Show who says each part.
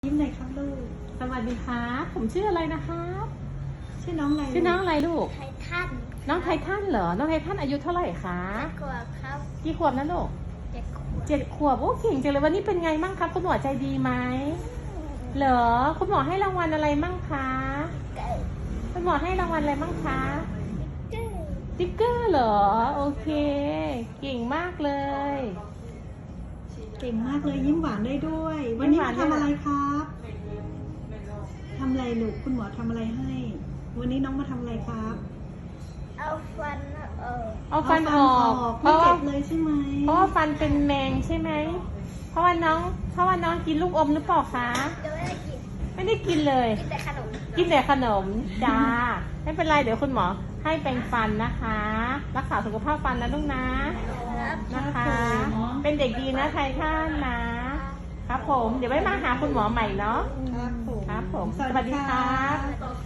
Speaker 1: ยิ้มหน่อยครับลูก
Speaker 2: สวัสดีครับผมชื่ออะไรนะครับ
Speaker 1: ชื่อน้องอะไร
Speaker 2: ชื่อน้องอะไรลูก
Speaker 3: ไททัน
Speaker 2: น้องไททันเหรอ น้องไททันอายุเท่าไหร่คะ
Speaker 3: กว่าครับ
Speaker 2: กี่ขวบนะลูก
Speaker 3: เจ็ดขวบ
Speaker 2: 7 ขวบ โอ้เก่งจังเลยวันนี้เป็นไงมั่งครับคุณหมอใจดีไหมเหรอคุณหมอให้รางวัลอะไรมั่งคะ
Speaker 3: เกิด
Speaker 2: คุณหมอให้รางวัลอะไรมั่งคะ
Speaker 3: เกิด
Speaker 2: สติ๊กเกอร์เหรอโอเค เก่งมากเลย
Speaker 1: เก่งมากเลยยิ้มหวานได้ด้วย วันนี้มาทำอะไรครับทำอะไรลูกคุณหมอทำอะไรให้ วันนี้น้องมาทำอะไรครับ
Speaker 3: เอาฟันออก
Speaker 2: เอาฟันออกเพ
Speaker 1: ไม่
Speaker 2: ราะ
Speaker 1: เจ็
Speaker 2: ว่า
Speaker 1: บเลยใช่ไหม
Speaker 2: เพราะว่าฟันเป็นแมงใช่ไหมเพราะว่าน้องกินลูกอมหรือเปล่าคะ
Speaker 3: จะไม่ได้กิน
Speaker 2: ไม่ได้กินเลย
Speaker 3: กินแต่ขนม
Speaker 2: กินแต่ขนมจ้า ไม่เป็นไรเดี๋ยวคุณหมอให้แปรงฟันนะคะ รักษาสุขภาพฟันนะลูกนะครับ นะคะ เป็นเด็กดีนะไททันนะ ครับผมเดี๋ยวไว้มาหาคุณหมอใหม่เนาะ
Speaker 1: ครับผม
Speaker 2: ครับผม
Speaker 1: สวัสดีครับ
Speaker 3: สวัสดี